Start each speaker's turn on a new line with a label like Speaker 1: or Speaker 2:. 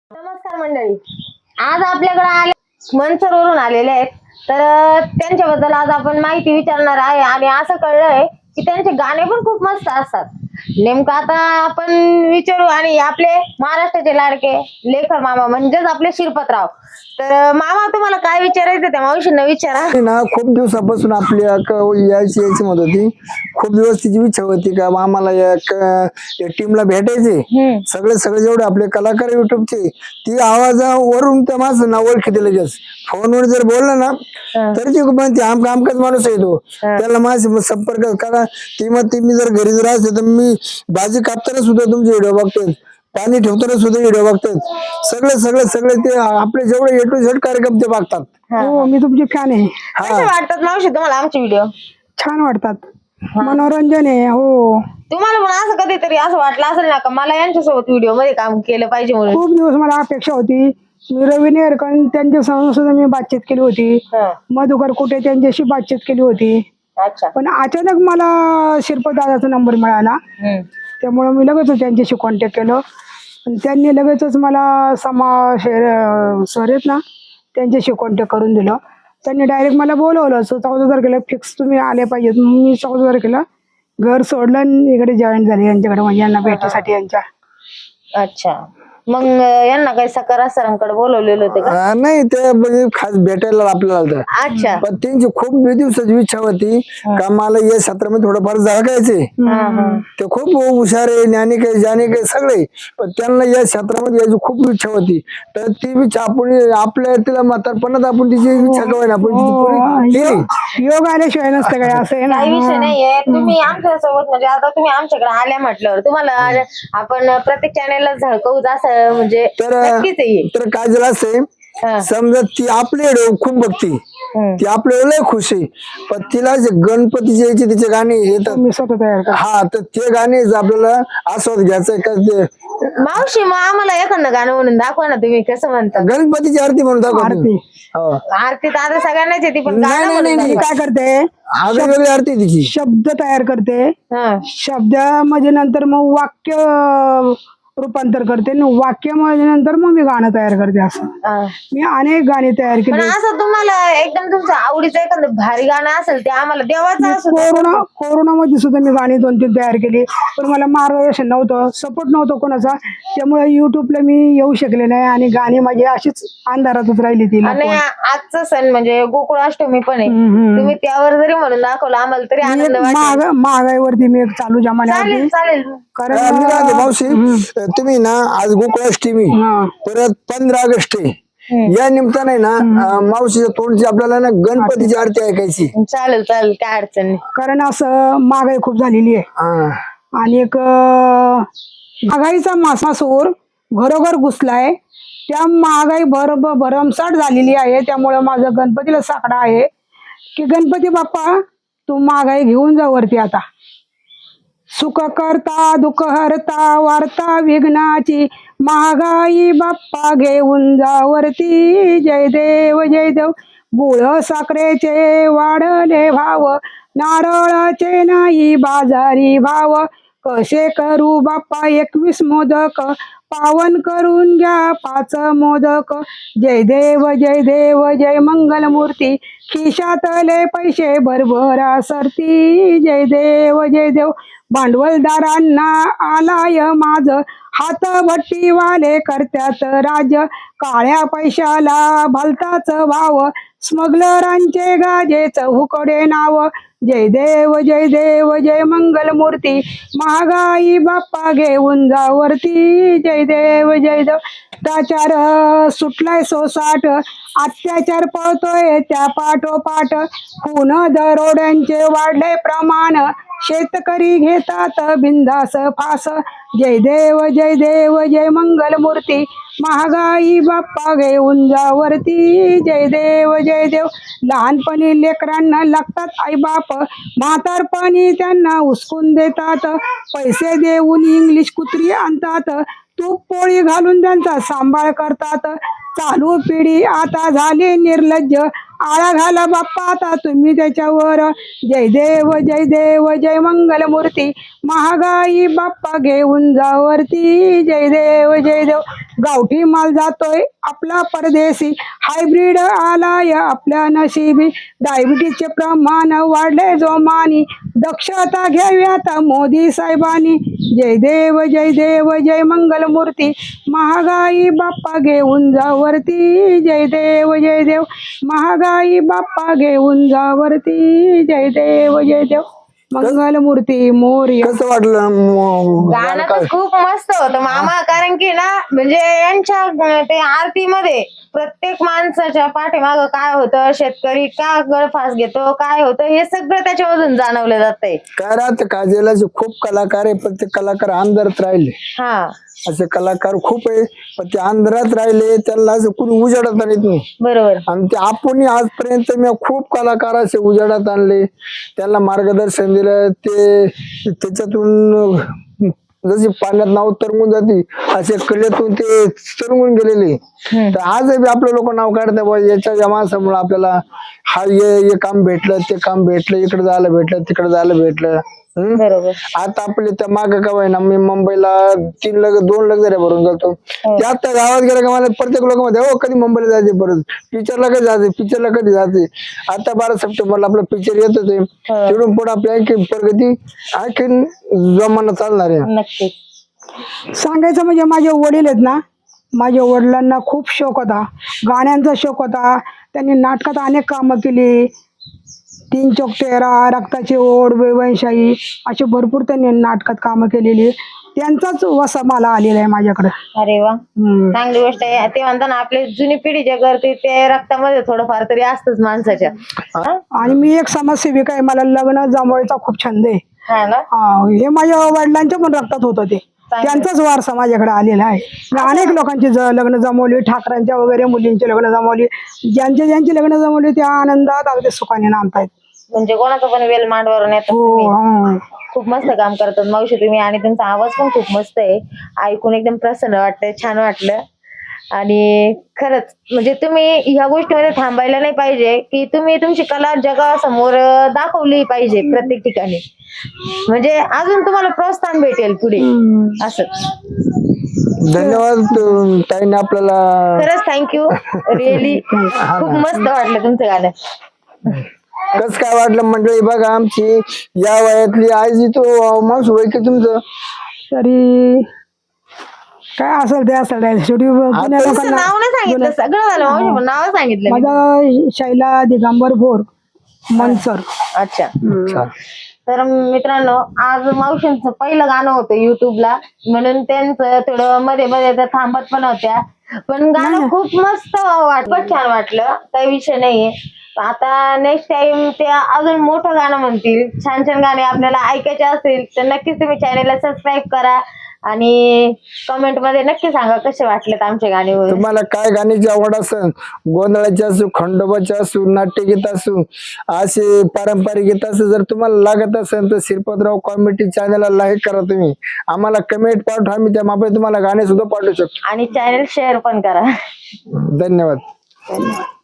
Speaker 1: नमस्कार मंडळी, आज आपल्याकडे आले मनसरवरून आलेले आहेत. तर त्यांच्याबद्दल आज आपण माहिती विचारणार आहे आणि असं कळलंय की त्यांचे गाणे पण खूप मस्त असतात. नेमकं आता आपण विचारू आणि आपले महाराष्ट्राचे लाडके लेखक मामा म्हणजेच आपले शिरपतराव. तर मामा, तुम्हाला काय विचारायचं त्या मावशींना विचारा
Speaker 2: ना. खूप दिवसापासून आपली यायची मत होती. खूप दिवस तिची इच्छा होती का आम्हाला या टीमला भेटायचे. सगळे जेवढे आपले कलाकार युट्यूबचे ती आवाजावरून त्या माणसं ना ओळखीते लगेच. फोनवर जर बोललं ना तर ती म्हणते आमकाच माणूस येतो त्याला माझे संपर्क करा. ती मग मी जर घरी जर असते तर मी भाजी कापताना सुद्धा तुमचे व्हिडिओ बघतोय, पाणी ठेवताना सुद्धा व्हिडिओ बघतात. सगळे ते आपले जेवढे A to Z कार्यक्रम ते बघतात.
Speaker 3: हो, मी तुमची फॅन आहे.
Speaker 1: कसे वाटतात मावशी तुम्हाला आमचे व्हिडिओ?
Speaker 3: छान वाटतात, मनोरंजन आहे. हो,
Speaker 1: तुम्हाला पण असं कधीतरी असं वाटलं असेल ना का मला यांच्यासोबत व्हिडिओ मध्ये काम केलं पाहिजे म्हणून?
Speaker 3: खूप दिवस मला अपेक्षा होती. मी रवी नेरकर त्यांच्या सुद्धा मी बातचीत केली होती. मधुकर कुठे त्यांच्याशी बातचीत केली होती.
Speaker 1: अच्छा.
Speaker 3: पण अचानक मला शिरपतदादाचा नंबर मिळाला, त्यामुळे मी लगेच त्यांच्याशी कॉन्टॅक्ट केलं. आणि त्यांनी लगेचच मला सर आहेत ना त्यांच्याशी कॉन्टॅक्ट करून दिलं. त्यांनी डायरेक्ट मला बोलवलं. 14 तारखेला फिक्स तुम्ही आले पाहिजेत. मी 14 तारखेला घर सोडलं आणि इकडे जॉईन झाले यांच्याकडे, म्हणजे यांना भेटीसाठी यांच्या.
Speaker 1: अच्छा, मग यांना काही सकारा सरांकडे बोलवलेलं होते का?
Speaker 2: नाही, ते म्हणजे खास भेटायला आपल्याला.
Speaker 1: अच्छा.
Speaker 2: पण त्यांची खूप दिवसाची इच्छा होती का मला या क्षेत्रामध्ये थोडंफार झळकायचे. ते खूप हुशार आहे, ज्ञानिक सगळे. पण त्यांना या क्षेत्रामध्ये यायची खूप इच्छा होती. तर ती इच्छा आपण आपल्या तिला म्हातारपणात आपण तिची इच्छा कवाय ना आपण तिची पुरी केली.
Speaker 3: योग आल्याशिवाय नसतं काय, असं आहे ना.
Speaker 1: काही विषय नाहीये. तुम्ही आमच्या सोबत म्हणजे आता तुम्ही आमच्याकडे आल्या म्हटल्यावर तुम्हाला आपण प्रत्येक चॅनेलला झळकवू असं म्हणजे नक्कीच आहे.
Speaker 2: तर काय झालं असते, समजा ती आपले खूप बघती, ती आपल्याला लय खुश आहे. पण तिला जे गणपतीचे यायचे तिचे गाणे येतात,
Speaker 3: मी स्वतः तयार करतो.
Speaker 2: हा, तर ते गाणे आपल्याला आस्वाद घ्यायचं का ते.
Speaker 1: मावशी, मग आम्हाला एखादं गाणं म्हणून दाखवा ना, तुम्ही कसं म्हणता?
Speaker 2: गणपतीची आरती म्हणून दाखवा.
Speaker 3: आरती
Speaker 1: आरती तर आता सगळ्यांनाच येते, पण
Speaker 2: नाही,
Speaker 1: गाणं
Speaker 2: नाही,
Speaker 1: म्हणून
Speaker 2: नाही,
Speaker 3: मी काय करते,
Speaker 2: वेगळी आरती आहे तिची.
Speaker 3: शब्द तयार करते.
Speaker 1: दाखवा.
Speaker 3: शब्दामध्ये नंतर मग वाक्य रूपांतर करते, वाक्यामध्ये नंतर मग मी गाणं तयार करते. असं मी अनेक गाणी तयार
Speaker 1: पण
Speaker 3: केली.
Speaker 1: असं तुम्हाला एकदम तुमचं आवडीचं एखादं भारी गाणं असेल ते आम्हाला देवाचं असं.
Speaker 3: कोरोनामध्ये सुद्धा मी गाणी 2-3 तयार केली. पण मला मार्गदर्शन नव्हतं, सपोर्ट नव्हतं कोणाचा, त्यामुळे युट्यूबला मी येऊ शकले नाही आणि गाणी माझी अशीच अंधारातच राहिली ती.
Speaker 1: आणि आजचा सण म्हणजे गोकुळाष्टमी पण आहे, तुम्ही त्यावर जरी म्हणून दाखवलं आम्हाला तरी आनंद वाटेल.
Speaker 3: महागाईवरती मी एक चालू जमान्यावरती.
Speaker 1: चालेल.
Speaker 3: कारण
Speaker 2: मावशी, तुम्ही ना आज गोकुळाष्टमी, परत 15 ऑगस्ट आहे, या निमित्ताने ना मावशीच्या तोंडची आपल्याला ना गणपतीची आरती ऐकायची.
Speaker 1: चालेल, काय अडचण नाही.
Speaker 3: कारण असं महागाई खूप झालेली आहे आणि एक महागाईचा मासासूर घरोघर घुसलाय. त्या महागाई भरमसाठ झालेली आहे. त्यामुळे माझं गणपतीला साकडा आहे की गणपती बाप्पा तू महागाई घेऊन जा वरती. आता सुख करता दुःख हरता वार्ता विघ्नाची, महागाई बाप्पा घेऊन जा वरती. जय देव जय देव. गुळ साखरेचे वाढले भाव, नारळाचे नाही बाजारी भाव. कसे करू बाप्पा 21 मोदक, पावन करून घ्या 5 मोदक. जय देव जय देव जय मंगलमूर्ती, खिशातले पैसे भरभरा सरती. जय देव जय देव. भांडवलदारांना आलाय माझ, हातभट्टीवाले करत्यात राज. काळ्या पैशाला भलताच भाव, स्मगलरांचे गाजेच हुकडे नाव. जय देव जय देव जय मंगलमूर्ती, महागाई बाप्पा घेऊन जा वरती. जय देव जय देव. भ्रष्टाचार सुटलाय सोसाट, अत्याचार पळतोय त्या पाठोपाठ. खून दरोड्यांचे वाढले प्रमाण, शेतकरी घेतात बिंदास फास. जय देव जय मंगलमूर्ती, महागाई बाप्पा घेऊन जा वरती. जय देव जय देव. लहानपणी लेकरांना लागतात आईबाप, म्हातारपणी त्यांना उचकून देतात. पैसे देऊन इंग्लिश कुत्री आणतात, तूप पोळी घालून त्यांचा सांभाळ करतात. चालू पिढी आता झाली निर्लज्ज, आळा घाला बाप्पा आता तुम्ही त्याच्यावर. जय देव जय देव जय मंगल मूर्ती, महागाई बाप्पा घेऊन जावरती. जय देव जय देव. गावठी माल जातोय आपला परदेशी, हायब्रिड आलाय आपल्या नशिबी. डायबिटीजचे प्रमाण वाढले जोमानी, दक्षता घ्यावी आता मोदी साहेबांनी. जय देव जय देव जय मंगल मूर्ती, महागाई बाप्पा घेऊन जावरती. जय देव जय देव, महागाई बाप्पा घेऊन जावरती. जय देव जय देव मंगल मूर्ती मोरया.
Speaker 2: कसं वाटलं
Speaker 1: गाणं तर खूप मस्त होतं मामा, कारण की ना म्हणजे यांच्या ते आरतीमध्ये प्रत्येक माणसाच्या पाठीमागं काय होतं, शेतकरी का गळफास घेतो, काय होतं, हे सगळं त्याच्यामधून जाणवलं जातंय.
Speaker 2: काय राहतं काजलाचे खूप कलाकार आहे, पण ते कलाकार अंधारात राहिले.
Speaker 1: हा
Speaker 2: असे कलाकार खूप आहे, पण ते अंधारात राहिले, त्यांना असं कुणी उजाडत आणत नाही.
Speaker 1: बरोबर.
Speaker 2: आणि ते आपण आजपर्यंत मी खूप कलाकार असे उजाडात आणले, त्यांना मार्गदर्शन दिलं. ते त्याच्यातून जशी पाण्यात नाव तरंगून जाते, असे कलेतून ते तरंगून गेलेले. तर आज आपले लोक नाव काढतात बा याच्या माणसामुळे आपल्याला हा हे काम भेटलं, ते काम भेटलं, इकडे जायला भेटलं, तिकडे जायला भेटलं.
Speaker 1: बरोबर.
Speaker 2: आता आपले त्या माग का ना, मी मुंबईला 2 लग्न जरी भरून जातो. ते आता गावात गेलं का मला प्रत्येक लोक मध्ये हो कधी मुंबईला जायचे, परत पिक्चरला कधी जाते, पिक्चरला कधी जाते. आता 12 सप्टेंबरला आपलं पिक्चर येत होते, तिकडून पुढे आपली आणखी प्रगती आणखीन जमाना चालणार आहे.
Speaker 1: नक्की.
Speaker 3: सांगायचं म्हणजे माझे वडील आहेत ना, माझ्या वडिलांना खूप शौक होता, गाण्यांचा शौक होता. त्यांनी नाटकात अनेक कामं केली. 3 चौक 13, रक्ताची ओढ, बेवंशाही, अशी भरपूर त्यांनी नाटकात कामं केलेली. त्यांचाच वसा मला आलेला आहे माझ्याकडे.
Speaker 1: अरे वा, चांगली गोष्ट आहे. ते म्हणता ना आपली जुनी पिढी जे करते ते रक्तामध्ये थोडंफार तरी असतंच माणसाच्या.
Speaker 3: आणि मी एक समाजसेविका आहे, मला लग्न जमवायचा खूप छंद आहे.
Speaker 1: हा ना.
Speaker 3: हे माझ्या वडिलांच्या पण रक्तात होतं, ते त्यांचाच वारसा माझ्याकडे आलेला आहे. मी अनेक लोकांची लग्न जमवली, ठाकरांच्या वगैरे मुलींची लग्न जमवली. ज्यांची लग्न जमवली त्या आनंदात अगदी सुखाने नांदतायत.
Speaker 1: म्हणजे कोणाचं पण वेल मांडवरून येतात तुम्ही. खूप मस्त काम करतात मावशी तुम्ही, आणि तुमचा आवाज पण खूप मस्त आहे. ऐकून एकदम प्रसन्न वाटतंय, छान वाटलं. आणि खरंच म्हणजे तुम्ही ह्या गोष्टीमध्ये थांबायला नाही पाहिजे, की तुम्ही तुमची कला जगासमोर दाखवली पाहिजे प्रत्येक ठिकाणी. म्हणजे अजून तुम्हाला प्रोत्साहन भेटेल पुढे असं.
Speaker 2: धन्यवाद ताईने आपल्याला.
Speaker 1: खरंच थँक्यू, रिअली खूप मस्त वाटलं तुमचं गाणं.
Speaker 2: कस काय वाटलं मंडळी? बघा आमची या वयातली आजी तो माणूस वय की तुमचं
Speaker 3: तरी काय असेल ते असेल. शेवटी जुन्या
Speaker 1: तुमचं
Speaker 3: लोकांना
Speaker 1: नाव नाही सांगितलं, सगळं झालं मावशी, पण नाव सांगितलं मी.
Speaker 3: माझा शैला दिगंबर भोर मनसर.
Speaker 1: अच्छा.
Speaker 2: अच्छा.
Speaker 1: तर मित्रांनो, आज मावशींचं पहिलं गाणं होतं युट्यूबला, म्हणून त्यांचं थोडं मध्ये मध्ये त्या थांबत पण होत्या, पण गाणं खूप मस्त खूपच छान वाटलं, काही विषय नाहीये. आता नेक्स्ट टाइम ते अजून मोठं गाणं म्हणतील, छान छान गाणे आपल्याला ऐकायचे असतील तर नक्कीच तुम्ही चॅनेलला सबस्क्राईब करा आणि कमेंट मध्ये नक्की सांगा कसे वाटलेत आमचे गाणे.
Speaker 2: तुम्हाला काय गाण्याची आवड असेल, गोंधळाची असू, खंडोबाची असू, नाट्यगीत असू, असे पारंपरिक गीत असू, जर तुम्हाला लागत असेल तर श्रीपतराव कॉमेडी चॅनलला लाईक करा. तुम्ही आम्हाला कमेंट पाठवा, आम्ही त्या मापे तुम्हाला गाणे सुद्धा पाठवू शकतो.
Speaker 1: आणि चॅनेल शेअर पण करा.
Speaker 2: धन्यवाद.